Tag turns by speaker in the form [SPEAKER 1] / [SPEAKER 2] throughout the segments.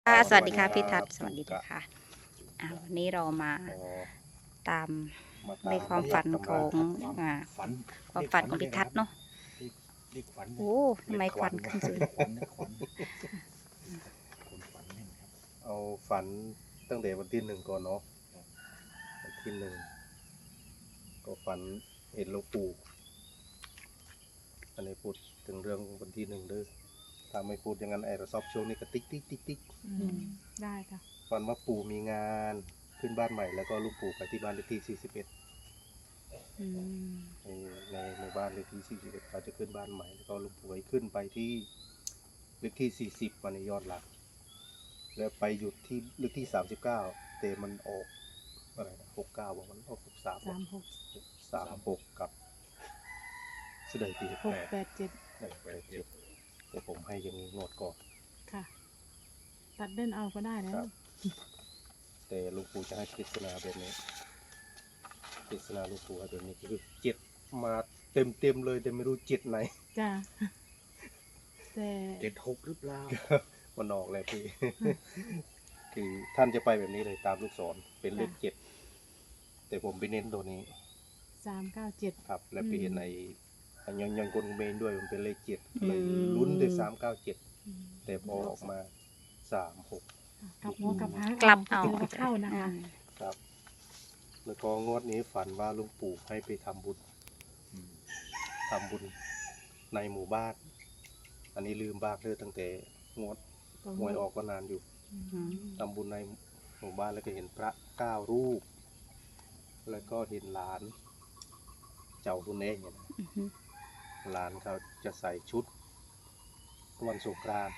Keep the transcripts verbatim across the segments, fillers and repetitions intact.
[SPEAKER 1] ค่ะส
[SPEAKER 2] สวัสดี
[SPEAKER 1] วัสดีค่ะพี่ทัศน์สวัสดี
[SPEAKER 2] ครับ
[SPEAKER 1] ค่ะอ่าวันนี้เรามา
[SPEAKER 2] อ๋อ
[SPEAKER 1] ตาม
[SPEAKER 2] มา
[SPEAKER 1] ใน
[SPEAKER 2] ตาม
[SPEAKER 1] ความฝัน
[SPEAKER 2] ตำรา
[SPEAKER 1] ของ
[SPEAKER 3] ความ
[SPEAKER 1] อ่า
[SPEAKER 3] ฝัน
[SPEAKER 1] ความ
[SPEAKER 3] เลข
[SPEAKER 1] ฝันของ
[SPEAKER 3] ฝันเลขอะไรครับ
[SPEAKER 1] พี่ทัศน์เนาะ
[SPEAKER 3] เลขเลขฝันเนี่ย
[SPEAKER 1] โอ้ทำไมควัน
[SPEAKER 3] เล
[SPEAKER 1] ขึ้นสูง
[SPEAKER 3] ขฝันนะขวัญคนฝันแม่นครับ
[SPEAKER 2] เอาฝันตั้งแต่วันที่หนึ่งก่อนเนาะวันที่หนึ่งก็ฝันเห็นหลวงปู่อันนี้พูดถึงเรื่องวันที่หนึ่งเด้อถ้าไม่พูดอย่างนั้นไอ้เราซอบช่วงนี้ก็ติ๊กติ๊กติ๊กติ๊ก
[SPEAKER 4] อืมได้ค่ะ
[SPEAKER 2] ฝันว่าปู่มีงานขึ้นบ้านใหม่แล้วก็ลูกปู่ไปที่บ้านเลขที่สี่สิบเอ็ด
[SPEAKER 1] อืม
[SPEAKER 2] ในในหมู่บ้านเลขที่สี่สิบเอ็ดเขาจะขึ้นบ้านใหม่แล้วก็ลูกปู่ให้ขึ้นไปที่เลขที่สี่สิบวันในยอดหลักแล้วไปหยุดที่เลขที่สามสิบเก้าแต่มันออกอะไรนะหกเก้าบอกมันออกหกสาม
[SPEAKER 4] สามหก
[SPEAKER 2] สามหกกับสุดใดปี
[SPEAKER 4] หก
[SPEAKER 2] แปด
[SPEAKER 4] แปดเจ็ด
[SPEAKER 2] แปดแปดเจ็ดแต่ผมให้อยังนี้งวดก่อน
[SPEAKER 4] ค่ะ ตัดเล่นเอาก็ได้แล้
[SPEAKER 2] คว รับ แต่หลูกปู่จะให้ปริศนาแบบนี้ปริศนาหลูกปู่ให้แบบนี้คือเจ็ดมาเต็มเต็มๆเลยแต่ไม่รู้เจ็ดไหน
[SPEAKER 4] จ้าแต่
[SPEAKER 3] เจ็ดหกหรือเปล่า
[SPEAKER 2] มันออกเลยพี่ คือท่านจะไปแบบนี้เลยตามลูกศรเป็นเลขเจ็ดแต่ผมไปเน้นตัวนี้
[SPEAKER 4] สามเก้าเจ็ด
[SPEAKER 2] ครับ และไปเห็นในไอ้ยังยังกลเมนด้วยมันเป็นเลขเจ็ด
[SPEAKER 1] อืม
[SPEAKER 2] เลยลุ้นด้วยสามเก้าเจ็ดแต่พอออกมาสามหก
[SPEAKER 4] กลับหัวกลับหาง
[SPEAKER 1] กลับเอา
[SPEAKER 4] ถือว่าเข้านะคะ
[SPEAKER 2] ครับ แล้วก็งวดนี้ฝันว่าหลุงปู่ให้ไปทำบุญ
[SPEAKER 3] อืม
[SPEAKER 2] ทำบุญในหมู่บ้าน อันนี้ลืมบ้างเลยตั้งแต่งวดหวยออกก็นานอยู่
[SPEAKER 4] อืม
[SPEAKER 2] ทำบุญในหมู่บ้านแล้วก็เห็นพระเก้ารูป แล้วก็เห็นหลาน เจ้าคุณเองเนี่ยนะ
[SPEAKER 1] อือฮึ
[SPEAKER 2] หลานเขาจะใส่ชุดวันสงกรานต์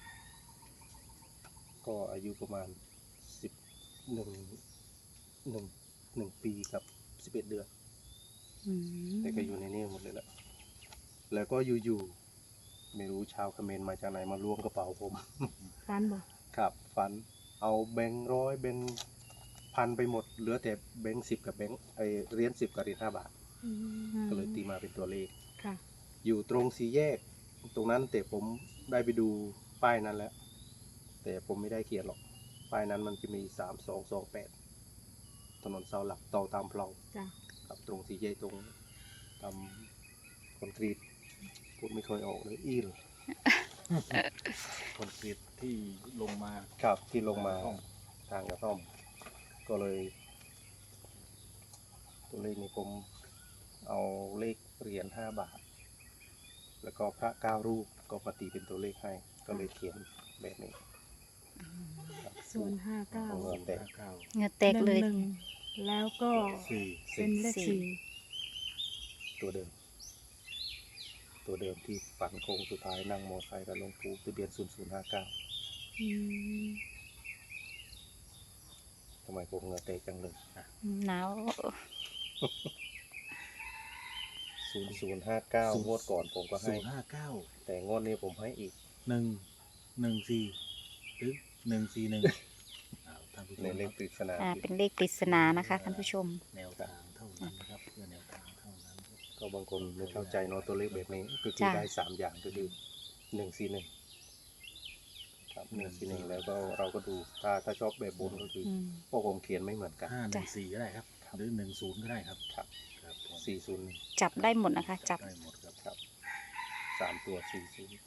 [SPEAKER 2] ก็อายุประมาณสิบหนึ่งหนึ่งหนึ่งปีกับสิบเอ็ดเดือน
[SPEAKER 1] อืม
[SPEAKER 2] แต่ก็อยู่ในนี้หมดเลยแหละ แล้วก็อยู่ๆไม่รู้ชาวเขมรมาจากไหนมาล้วงกระเป๋าผม
[SPEAKER 4] ฟันบอก
[SPEAKER 2] ครับฟันเอาแบงค์ร้อยแบงค์พันไปหมดเหลือแต่แบงค์สิบกับแบงค์ไอเหรียญสิบกับเหรียญห้าบาท
[SPEAKER 4] อืม
[SPEAKER 2] ก็เลยตีมาเป็นตัวเลข
[SPEAKER 4] ค่ะ
[SPEAKER 2] อยู่ตรงสี่แยก ตรงนั้นแต่ผมได้ไปดูป้ายนั้นแล้ว แต่ผมไม่ได้เขียนหรอก ป้ายนั้นมันจะมีสามสองสองแปดถนนเสาหลักต่อตามเพลา
[SPEAKER 4] จ้า
[SPEAKER 2] ครับตรงสี่แยกตรงตามคอนกรีตพูดไม่ค่อยออกเลยอีล
[SPEAKER 3] คอนกรีตที่ลงมา
[SPEAKER 2] ครับที่ลงมา
[SPEAKER 3] ห้อง
[SPEAKER 2] ทางกระท่อม ก็เลย ตัวเลขนี้ผมเอาเลขเหรียญห้าบาท แล้วก็พระเก้ารูปก็ปฏิเป็นตัวเลขให้ ก็เลยเขียนแบบนี้ครับ
[SPEAKER 4] ศูนย์ห้าเก้า
[SPEAKER 2] เงินแตก
[SPEAKER 3] เก้า
[SPEAKER 1] เหงือแตกเลย
[SPEAKER 4] หนึ่งแล้วก็
[SPEAKER 3] สี่
[SPEAKER 4] เป็นเลข
[SPEAKER 1] สี่
[SPEAKER 4] สี่
[SPEAKER 2] ตัวเดิม ตัวเดิมที่ฝันโค้งสุดท้ายนั่งมอไซค์กับหลวงปู่ทะเบียนศูนย์ศูนย์ห้าเก้า
[SPEAKER 4] อืม
[SPEAKER 2] ทำไมผมเหงื่อแตกจังเลย
[SPEAKER 1] หนาว
[SPEAKER 2] ศูนย์ศูนย์ห้าเก้างวดก่อนผมก็
[SPEAKER 3] ศู
[SPEAKER 2] ให้
[SPEAKER 3] นย์ห้าเก้า
[SPEAKER 2] แต่งวดนี้ผมให้อีก
[SPEAKER 3] หนึ่งหนึ่งสี่หรือหนึ่งสี่หนึ่งอ้าวท่านผู้ชม
[SPEAKER 2] ในเลขปริศนา
[SPEAKER 1] อ่าเป็นเลขปริศนานะคะท่านผู้ชม
[SPEAKER 3] แนวทางเท่านั้นนะครับเพื่อแนวทางเท่านั้นครับ
[SPEAKER 2] ก็บางคนไม่เข้าใจเนาะตัวเลขแบบนี้ ก็คือ
[SPEAKER 1] จ้ะ
[SPEAKER 2] ได้สามอย่างก็คือหนึ่งสี่หนึ่งครับหนึ่งสี่หนึ่งแล้วก็เราก็ดูถ้าถ้าชอบแบบบนก็คือ
[SPEAKER 1] อืม
[SPEAKER 2] พวกผมเขียนไม่เหมือนกัน
[SPEAKER 3] ห้าหนึ่งสี่ก็ได้ครับ หรือหนึ่งศูนย์ก็ได้ครับ
[SPEAKER 2] ครับ
[SPEAKER 3] ครับผม
[SPEAKER 2] สี่ศูนย์
[SPEAKER 1] จับได้หมดนะคะ จับ
[SPEAKER 3] ได้หมดครับ
[SPEAKER 2] ครับสามตัวสี่ศูนย์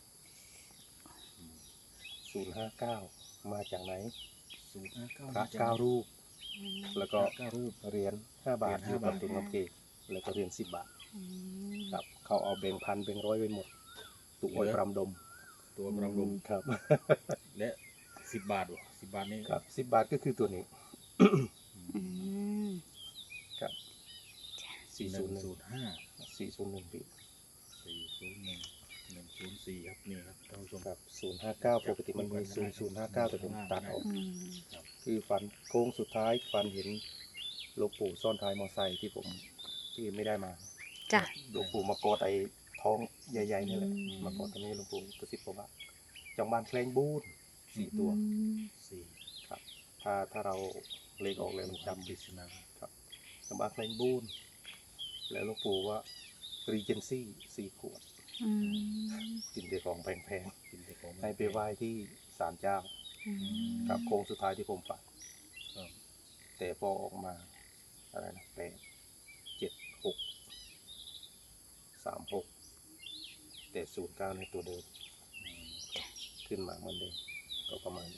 [SPEAKER 2] ศูนย์ห้าเก้ามาจากไหน
[SPEAKER 3] ศูนย์ห้าเก้า
[SPEAKER 2] พระเก้ารูป
[SPEAKER 4] อืม
[SPEAKER 2] แล้วก็
[SPEAKER 3] เก้ารูป
[SPEAKER 2] เหรียญห้าบาท
[SPEAKER 3] เหรียญ
[SPEAKER 2] อยู่
[SPEAKER 3] ห้า
[SPEAKER 2] กับบ
[SPEAKER 3] าท
[SPEAKER 2] ตุงน้ำเกแล้วก็เหรียญสิบบาท
[SPEAKER 4] อืม
[SPEAKER 2] ครับเขาเอาแบ่งพันแบ่งร้อยไปหมดตุกอ้อยปรำดม
[SPEAKER 3] ตัวประลม
[SPEAKER 2] ครับ
[SPEAKER 3] และสิบบาทวะสิบบาทนี้
[SPEAKER 2] ครับสิบบาทก็คือตัวนี้
[SPEAKER 1] อืม
[SPEAKER 2] ครับสี่
[SPEAKER 3] ห
[SPEAKER 2] ศู
[SPEAKER 3] นึ่
[SPEAKER 2] นย์หนึ่ง
[SPEAKER 3] งศูนย์ห้า
[SPEAKER 2] สี่ศูนย์หนึ่งปี
[SPEAKER 3] สี่ศูนย์หนึ่งหนึ่งศูนย์สี่ครับนี่ครับท่านผู้ชม
[SPEAKER 2] ครับศูนย์ห้าเก้าปกติมันมีศูนย์ศูนย์ห้าเก้าแต่ผมตัดออก
[SPEAKER 1] อืม
[SPEAKER 2] คือฟันโค้งสุดท้ายฟันเห็นหลวงปู่ซ่อนท้ายมอไซค์ที่ผมที่ไม่ได้มา
[SPEAKER 1] จ้ะ
[SPEAKER 2] หลวงปู่มากอดไอ้ท้องใหญ่ๆนี่แหละ
[SPEAKER 4] อืม
[SPEAKER 2] มากอดตรงนี้หลวงปู่กระซิบผมว่าจองบ้านแคลงบูนสี่ตัว
[SPEAKER 4] อืม
[SPEAKER 3] สี่
[SPEAKER 2] ครับ ถ้าถ้าเราเลขออกเลยมันจำ
[SPEAKER 3] ปริศนา
[SPEAKER 2] ครับจองบ้านแคลงบูนแล้วหลวงปู่ว่ารีเจนซี่สี่ขวด
[SPEAKER 1] อืม
[SPEAKER 2] กินแต่ของแพง
[SPEAKER 3] กินแต่ของ
[SPEAKER 2] ๆให้ไปไหว้ที่ศาลเจ้า
[SPEAKER 4] อืม
[SPEAKER 2] ครับโค้งสุดท้ายที่ผมฝัน
[SPEAKER 3] ครับ
[SPEAKER 2] แต่พอออกมาอะไรนะแปดเจ็ดหกสามหกแต่ศูนย์เก้าในตัวเดิม
[SPEAKER 3] อืม
[SPEAKER 2] ขึ้นมาเหมือนเดิมก็ประมาณนี้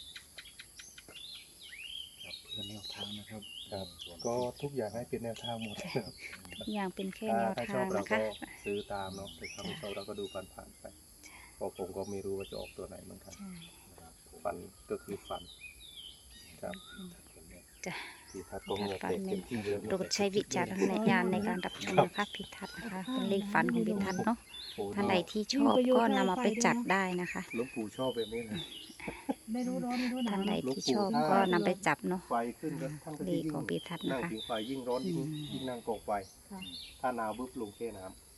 [SPEAKER 3] ครับเพื่อแนวทางนะครับ
[SPEAKER 2] ครับ
[SPEAKER 3] ส่วน
[SPEAKER 2] ก็ทุกอย่างให้เป็นแนวทางหมดครับ
[SPEAKER 1] ทุกอย่างเป็นแค่
[SPEAKER 2] ถ้า
[SPEAKER 1] แนว
[SPEAKER 2] ถ้าช
[SPEAKER 1] ทา
[SPEAKER 2] อง บเรา
[SPEAKER 1] นะ
[SPEAKER 2] ก็
[SPEAKER 1] คะ
[SPEAKER 2] ซื้อตามเนาะแต่ถ้าไม่ชอบเราก็ดูผ่านๆไปเพราะผมก็ไม่รู้ว่าจะออกตัวไหนเหมือนกัน
[SPEAKER 1] ใช่
[SPEAKER 3] ครับผม
[SPEAKER 2] ฝันก็คือฝันครับ
[SPEAKER 1] จ้ะ
[SPEAKER 2] ที่ทัดก็เหงื่อแตกเต็มที่เลย
[SPEAKER 1] โปรดใช้วิจารณญาณในการรับชมนะคะพิทัศน์นะคะเป็นเลขฝันของพิทัศน์เนาะ
[SPEAKER 2] โอ้
[SPEAKER 1] ท่านใดที่ชอบก็นำมาไปจัดได้นะคะ
[SPEAKER 2] หลวงปู่ชอบแบบนี้เลย
[SPEAKER 4] ไม่รู้ร้อนไม่รู้หนา
[SPEAKER 1] ท่า
[SPEAKER 4] วน
[SPEAKER 1] ใดที่ชอบก็นำไปจับเนาะ
[SPEAKER 2] ไฟขึ้นก็ท่านก็
[SPEAKER 1] เล
[SPEAKER 2] จะ
[SPEAKER 1] ข
[SPEAKER 2] ยิ่
[SPEAKER 1] ของ
[SPEAKER 2] ง
[SPEAKER 1] พิทัศน์
[SPEAKER 2] นั่
[SPEAKER 1] นะ
[SPEAKER 2] ง
[SPEAKER 1] คะ
[SPEAKER 2] ผิงไฟยิ่งร้อนยิ่ง
[SPEAKER 1] อืม
[SPEAKER 2] ยิ่งนั่งกองไฟ
[SPEAKER 4] ค่ะ
[SPEAKER 2] ถ้าหนาวปุ๊บลงแค่น้